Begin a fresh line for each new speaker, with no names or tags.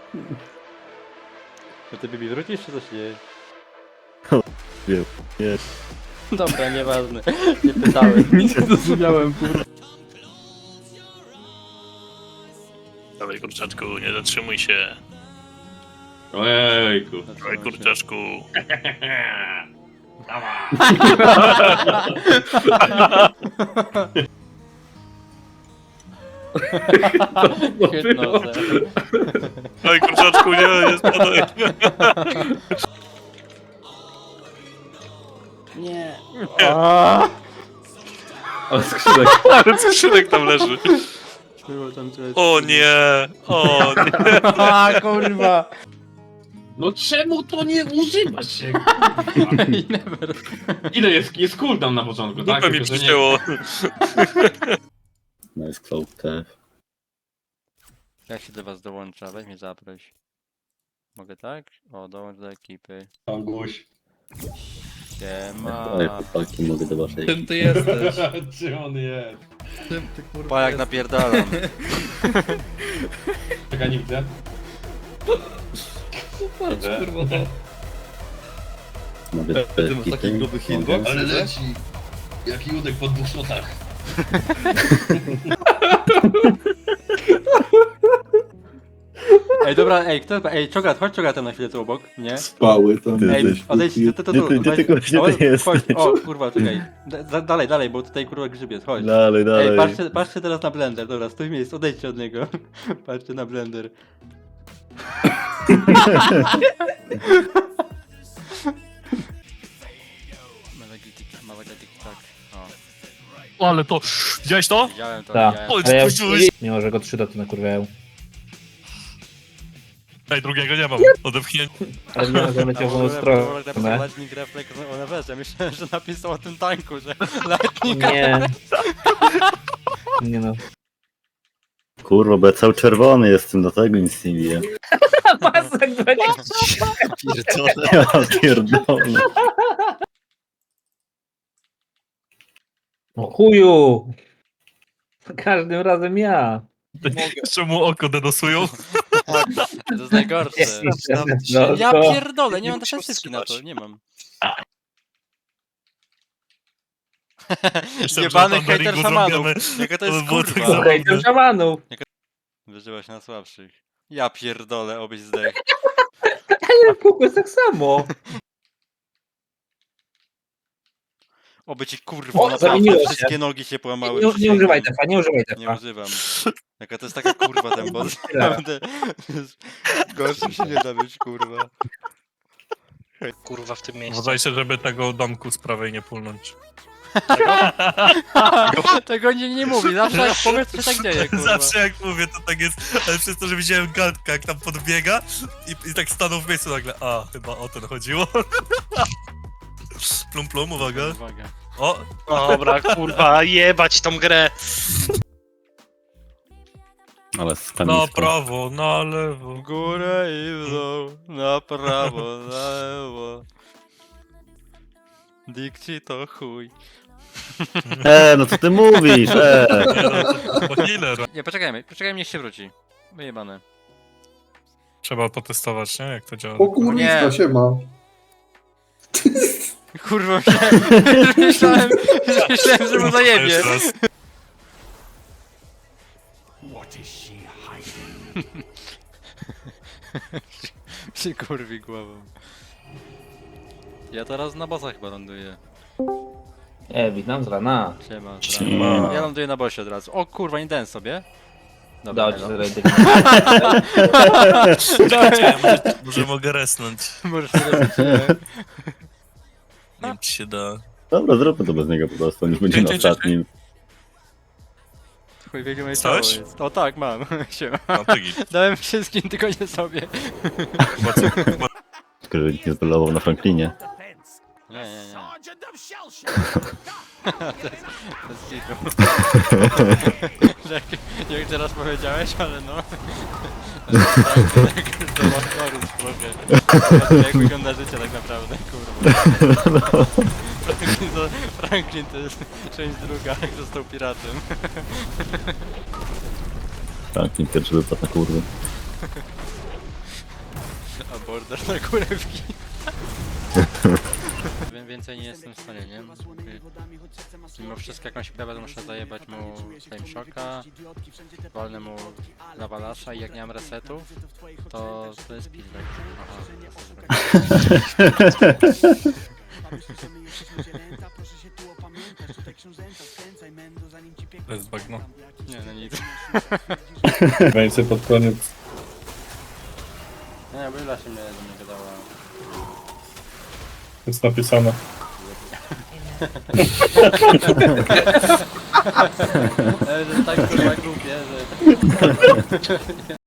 To ty Bibi wrócisz czy coś nie?
Wiem, nie.
Dobra, nieważne. Nie pytałem.
Nic nie zrozumiałem, kurwa.
Dawaj kurczaczku, nie zatrzymuj się.
Ojejku.
Dawaj kurczaczku.
Hypnozę.
Dawaj kurczaczku, nie spadaj.
Nie.
Ale skrzynek.
Ale skrzynek tam leży.
Było tam coś.
O nie, o nie.
A kurwa.
No czemu to nie używa się?
I never.
Ile jest cooldown na początku, tak?
Dupę mi
Tylko, że nie-
przycięło.
Nice cloud TF.
Jak się do was dołącza? Weź mnie zaproś. Mogę tak? O, dołącz do ekipy.
Anguś.
Siema.
Ale chłopaki, mogę do waszej.
Czym ty jesteś?
Gdzie on jest?
Czym ty kurwa
Pa jak
jesteś?
napierdalam.
Czekaj, nie widzę.
Patrz kurwa to.
Mogę
Ty masz taki gruby hitbox?
Ale leci. Jaki udek po 2 shotach.
Ej, dobra, ej, kto, ej, Czogat, chodź Czogatem na chwilę tu obok, nie?
Spały tam.
Ty
Ej,
jesteś-
odejdź,
Gdzie ty gościu
chodź,
jesteś?
o, kurwa, czekaj. Dalej, bo tutaj kurwa grzyb jest, chodź.
Dalej, dalej.
Ej, patrzcie teraz na blender, dobra, stój miejsc, odejdźcie od niego. Patrzcie na blender. Malegitik, tak. O,
Ale to, widziałeś to?
widziałem to,
Tak.
widziałem.
Oj,
Ale ja
spójrz.
mimo, że go 3 doty nakurwiają.
Ej, drugiego nie mam. Odepchnięcie.
Ale nie wiem, że leciał w moją stronę.
Lightning Reflex o Neverze, myślałem, że napisał o tym tanku, że Lightning
Nie. Nie no.
Kurwa, bo ja cały czerwony jestem, do tego nic nie widzę.
Pasek 20.
Ja pierdolę.
O chuju! Za każdym razem ja.
Czemu oko denosują?
To jest najgorsze.
No,
Ja
to-
pierdolę, nie mam defensywki na to, nie mam. Jebany hater szamanów. Jaka to jest
było tak
kurwa.
zabawne.
Okej, to szamanów.
Wyżywa się na słabszych. Ja pierdolę, obyś zdech.
Ale kółko jest tak samo.
Oby ci kurwa
O,
naprawdę
zamieniło się.
wszystkie nogi się połamały.
Nie używaj tefa, nie używaj
Nie
tefa.
używam. Jaka to jest taka kurwa ten boss. Naprawdę. Gorszy się nie da być kurwa.
Kurwa w tym miejscu.
Uważajcie, żeby tego domku z prawej nie pulnąć.
Tego nie mówi, zawsze jak powiedz się tak dzieje kurwa.
Zawsze jak mówię, to tak jest, ale przez to, że widziałem Gantka, jak tam podbiega i tak stanął w miejscu nagle. A, chyba o ten chodziło. Plum plum, uwaga.
Uwaga.
O,
Dobra, kurwa, jebać tą grę.
Ale
na
skamisko.
prawo, na lewo.
W górę i w dół, na prawo, na lewo. Dikci to chuj.
No co ty mówisz,
Nie, no, to healer.
Nie, poczekajmy, niech się wróci. Wyjebane.
Trzeba potestować, nie? Jak to działa.
O kurwiska,
Nie.
siema.
Kurwa, myślałem, że mu zajebie.
Jeszcze raz.
Się kurwi głową. Ja teraz na bossa chyba ląduję.
Witam z rana.
Siema.
Siema.
Ja ląduję na bossie od razu. O kurwa, nie dałem sobie.
Dał ci
no.
sobie
Czekajcie, może mogę resnąć.
Możesz sobie robić, nie?
Nie wiem, czy się da.
Dobra, zróbmy to bez niego po prostu, niż będzie na
Dzień.
ostatnim.
Chuj, wiedział moje ciało
Coś?
jest. O tak, mam. Siema.
No to git.
Dałem wszystkim, tylko nie sobie.
Chyba co- chyba-
Tylko, że nikt nie zbelował na Franklinie.
Nie. To jest kitu. Jak teraz powiedziałeś, ale no. To ma chorób trochę. Jak wygląda życie tak naprawdę, kurwa. Franklin to jest część druga, jak został piratem.
Franklin pierwszy wypadł na kurwy.
order na kurewki. Więcej nie jestem w stanie, nie? Mimo wszystko jakąś pewę muszę zajebać mu Flame Shocka, walnę mu Lavalasa i jak nie mam resetu, to jest pizda.
To jest bagno.
Nie, no nic.
Więcej pod koniec.
Nie, Wyla się mnie do mnie gadała.
Jest napisane.
Że tak kurwa głupie, że...